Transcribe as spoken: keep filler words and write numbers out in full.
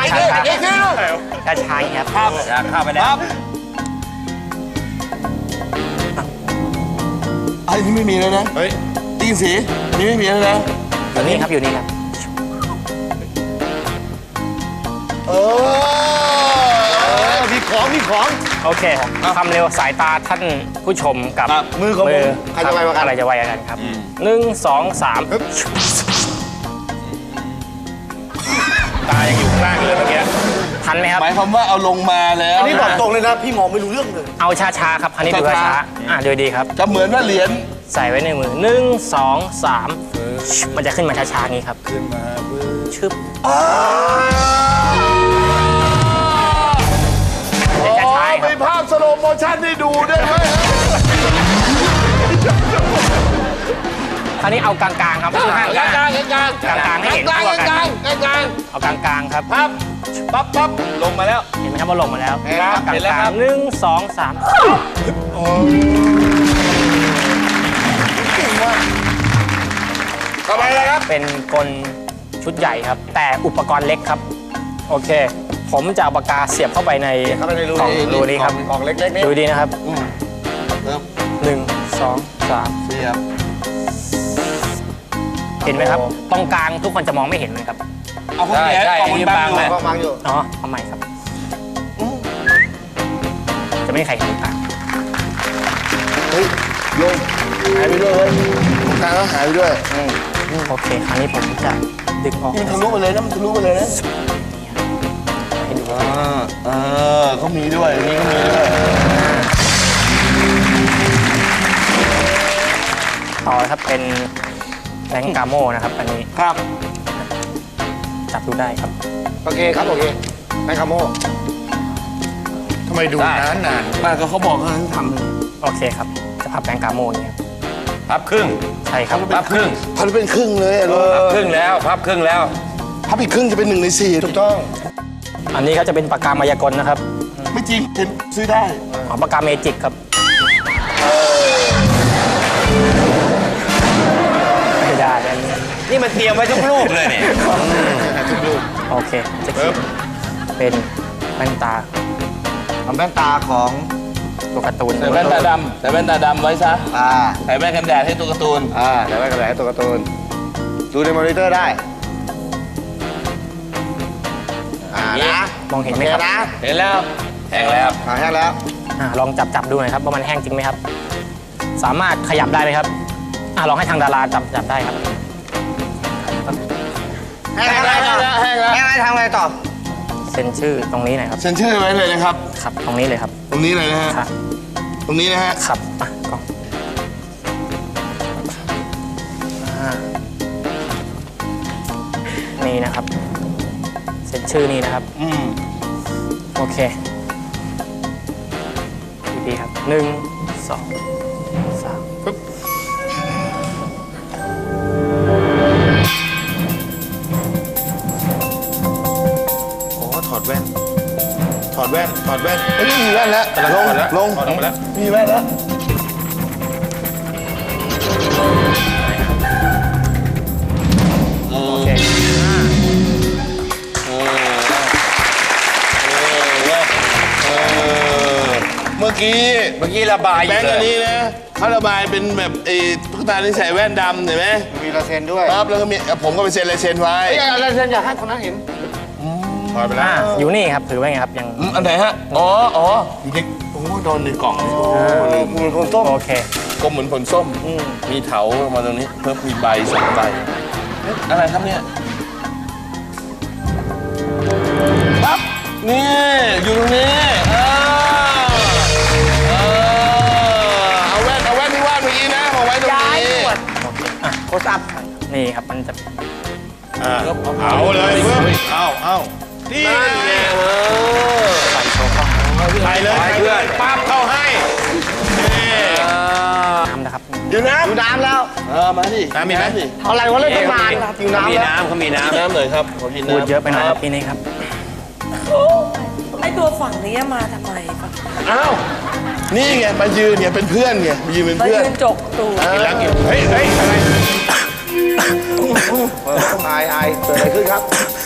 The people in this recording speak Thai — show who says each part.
Speaker 1: ช้าช้า
Speaker 2: อีกทีนึง
Speaker 1: ช้าช้าอย่างนี้ครับ
Speaker 2: ครับเข้าไปแล้ว
Speaker 3: ไอ้นี่ไม่มีเลยนะ
Speaker 2: เฮ้ย
Speaker 3: ตีนสีนี่ไม่มีเลยนะ
Speaker 1: อยู่นี่ครับอยู่นี่ครับ
Speaker 3: เออมีของมีของ
Speaker 1: โอเคความเร็วสายตาท่านผู้ชมกับ
Speaker 3: มือของผมใครจะไวกว่ากัน
Speaker 1: อะไรจะไวกว่ากันครับหนึ่งสองสาม
Speaker 2: ตายังอยู่ข้างล่างเลยเมื่อกี้
Speaker 1: ทันไหมครับ
Speaker 3: หมายความว่าเอาลงมาแล้ว
Speaker 2: อันนี้บอกตรงเลยนะพี่มองไม่รู้เรื่องเลย
Speaker 1: เอาช้าๆครับอันนี้ดูช้าๆอ่ะดูดีครับ
Speaker 3: จะเหมือนว่าเหรียญ
Speaker 1: ใส่ไว้ในมือหนึ่งสองสามมันจะขึ้นมาช้าๆอย่างนี้ครับ
Speaker 3: ขึ้นมาเพื่อ
Speaker 1: ชึบ
Speaker 3: อ๋อ
Speaker 1: มันจะช้าๆค
Speaker 3: มี
Speaker 1: รับ
Speaker 3: ภาพสโลโมชั่นให้ดูด้วยไหม
Speaker 1: คราวนี้เอากลางๆครับทุกท่าน
Speaker 3: กลางกลางกลาง
Speaker 1: กลางๆให้เห็น
Speaker 3: กลาง
Speaker 1: ตัวกัน
Speaker 3: กลางกลางกลาง
Speaker 1: เอากลางๆครับ
Speaker 3: ปั๊บปั๊บปั๊บลงมาแล้ว
Speaker 1: เห็นไหมครับว่าลงมาแล้ว
Speaker 3: เห็นแล้ว
Speaker 1: กล
Speaker 3: เห็นแล้วครั
Speaker 1: าง
Speaker 3: บ
Speaker 1: ๆหนึ่งสองสาม
Speaker 3: ต่อไปเลยครับ
Speaker 1: เป็นกลชุดใหญ่ครับ แต่อุปกรณ์เล็กครับ โอเค ผมจะเอาปากกาเสียบเข้าไปใน
Speaker 3: เข้าไปในรู
Speaker 1: กล่อง
Speaker 3: นี้
Speaker 1: รูนี้ครับ
Speaker 3: กล่องเล็กๆนี่
Speaker 1: ดูดีนะครับ
Speaker 3: อืมเริ่ม
Speaker 1: หนึ่งสองสาม
Speaker 3: เสียบ
Speaker 1: เห็นไหมครับ ตรงกลางทุกคนจะมองไม่เห็นมันครับ
Speaker 3: เอาพวกนี้กล่องมันบังอยู่
Speaker 2: กองบังอยู่
Speaker 1: อ๋อเอาใหม่ครับ จะไม่มีใครเห็นตาง
Speaker 3: เฮ้ยโยงหายไปด้วยเฮ้ยตรงกลางก็หายไปด้วยอืม
Speaker 1: โอเค คราวนี้ผมจะดึงออก
Speaker 3: นี่มันทะลุไปเลยนะมันทะลุไปเลยนะ
Speaker 1: ให้ดู
Speaker 3: อ่าเออเขามีด้วยนี่ก็มีด้วย
Speaker 1: ต่อนะครับเป็นแบงก์กาโมนะครับ อันนี้
Speaker 3: ครับ
Speaker 1: จับดูได้ครับ
Speaker 2: โอเคครับโอเคแมคคาโมทำไมดูนานนาน
Speaker 3: ป้าก็เขาบอกเขาให้ทำเลย
Speaker 1: โอเคครับ จะพับแบงก์กาโมอย่างเงี้ยครับ
Speaker 4: พับครึ่ง
Speaker 1: ใช่ครับ
Speaker 4: พับครึ่ง
Speaker 3: พันเป็นครึ่งเลยอะลูก
Speaker 4: พับครึ่งแล้วพับครึ่งแล้ว
Speaker 3: พับอีกครึ่งจะเป็นหนึ่งในสี่ถูกต้อง
Speaker 1: อันนี้ก็จะเป็นปากกามายากลนะครับ
Speaker 3: ไม่จริงเห็นซื้อได้
Speaker 1: อ๋อปากกาเมจิกครับไม่ได้อันนี้
Speaker 4: นี่มันเตรียมไว้ทุกรูปเลยเนี่ย
Speaker 1: โอเค จะเขียนเป็นแว่นตา
Speaker 2: ทำแว่นตาของ
Speaker 1: ตัวการ์ตูน
Speaker 3: ใส่แว่นตาดำใส่แว่นตาดำไว้ซะ
Speaker 2: อ่า
Speaker 3: ใส่แว่นกันแดดให้ตัวการ์ตูน
Speaker 2: อ่าแต่แว่นกระแสตัวการ์ตูนดูในมอนิเตอร์ได้อ่านะ
Speaker 1: มองเห็นไหมครับ
Speaker 2: โอนะ
Speaker 3: เห็นแล้ว
Speaker 4: แห้งแล้ว
Speaker 2: อ่าแห้งแล้ว
Speaker 1: อ่ะลองจับจับดูหน่อยครับว่ามันแห้งจริงไหมครับ สามารถขยับได้ไหมครับอ่ะลองให้ทางดาราจับจับได้ครับ
Speaker 2: แห้งแล้วแห้งแล้วแห้งแล้วทำไงต่อ
Speaker 1: เซ็นชื่อตรงนี้หน่อยครับ
Speaker 3: เซ็นชื่อไว้เลยนะครับ
Speaker 1: ครับ ตรงนี้เลยครับ
Speaker 3: ตรงนี้เลยนะฮะ
Speaker 1: ครับ
Speaker 3: ตรงนี้นะฮะ
Speaker 1: ครับอ่ะกล้องอ่านี่นะครับ เซ็นชื่อนี่นะครับ
Speaker 3: อืม
Speaker 1: โอเคดีๆครับหนึ่งสองสาม
Speaker 2: โอ้ถอดแว่น ถอดแว่น ถอดแว่น
Speaker 3: เฮ้ยมีแว่นแล้ว ลง ลง
Speaker 2: ถอดออกมาแล้ว
Speaker 3: มีแว่นแล้ว
Speaker 1: โอเค
Speaker 3: เออเออเมื่อกี้
Speaker 4: เมื่อกี้ระบายอ
Speaker 3: แบ
Speaker 4: ยู่
Speaker 3: งค์
Speaker 4: เล
Speaker 3: อัน
Speaker 4: ย
Speaker 3: นี้นะเขาระบายเป็นแบบไอ้ตุ๊กตาที่ใส่แว่นดำเห็นไหม
Speaker 2: มีลายเซ็นด้วย
Speaker 3: ครับแล้วก็มีผมก็ไปเซ็นลายเซ็นไว้
Speaker 2: ไอ้ลายเซ็นอยากให้คนนั้นเห็น ถอดไปแล้ว
Speaker 1: อ่าอยู่นี่ครับถือไว้ไงครับยัง
Speaker 3: อืมอันไหนฮะ อ๋อ อ๋ออยู่ในโอ้โดนในกล่องเลย
Speaker 2: มูลคนต้ม
Speaker 1: โอเค
Speaker 3: กลมเหมือนผลส้ม มีเถามาตรงนี้ เพิ่มมีใบสองใบเอ๊ะอะไรครับเนี่ย ปั๊บ นี่ อยู่ตรงนี้เออเออเอาแว่น เอาแว่นที่วาดเมื่อกี้นะมาไว้ตรงนี้
Speaker 2: โคตรอัพ
Speaker 1: นี่ครับมันจะ
Speaker 2: เอาเลยเพิ่มเอาเอานี่
Speaker 1: ใส่โชว์กล้อง
Speaker 2: ใส่เลยเพื่อนปั๊บเข้าให้
Speaker 1: น้ำนะครับ
Speaker 3: อยู่น้
Speaker 2: ดูน้ำแล้ว
Speaker 3: ำเออ มาดิ
Speaker 2: น้ำมีไหม
Speaker 3: ดิ
Speaker 2: อะไรวะเล่นตั้งนานอยู่
Speaker 4: เขา
Speaker 2: น้ำ
Speaker 4: มี
Speaker 2: แล้ว
Speaker 4: น้ำเขามีน้
Speaker 3: น้ำหน่อยครับขอกินน้ำ
Speaker 1: พูดเยอะไปหน่อยครับพี่นี่ครับ
Speaker 5: ไอตัวฝั่งนี้มาทำไมฝั่ง
Speaker 3: อ้าว นี่ไง มายืนเนี่ยเป็นเพื่อนไงมายืนเป็น
Speaker 5: มา
Speaker 3: เพื่อน
Speaker 5: ยืนจกตูด
Speaker 2: กินแล้วกินเฮ้ยเฮ้ยอะไรอายอายเกิดอะไรขึ้นครับ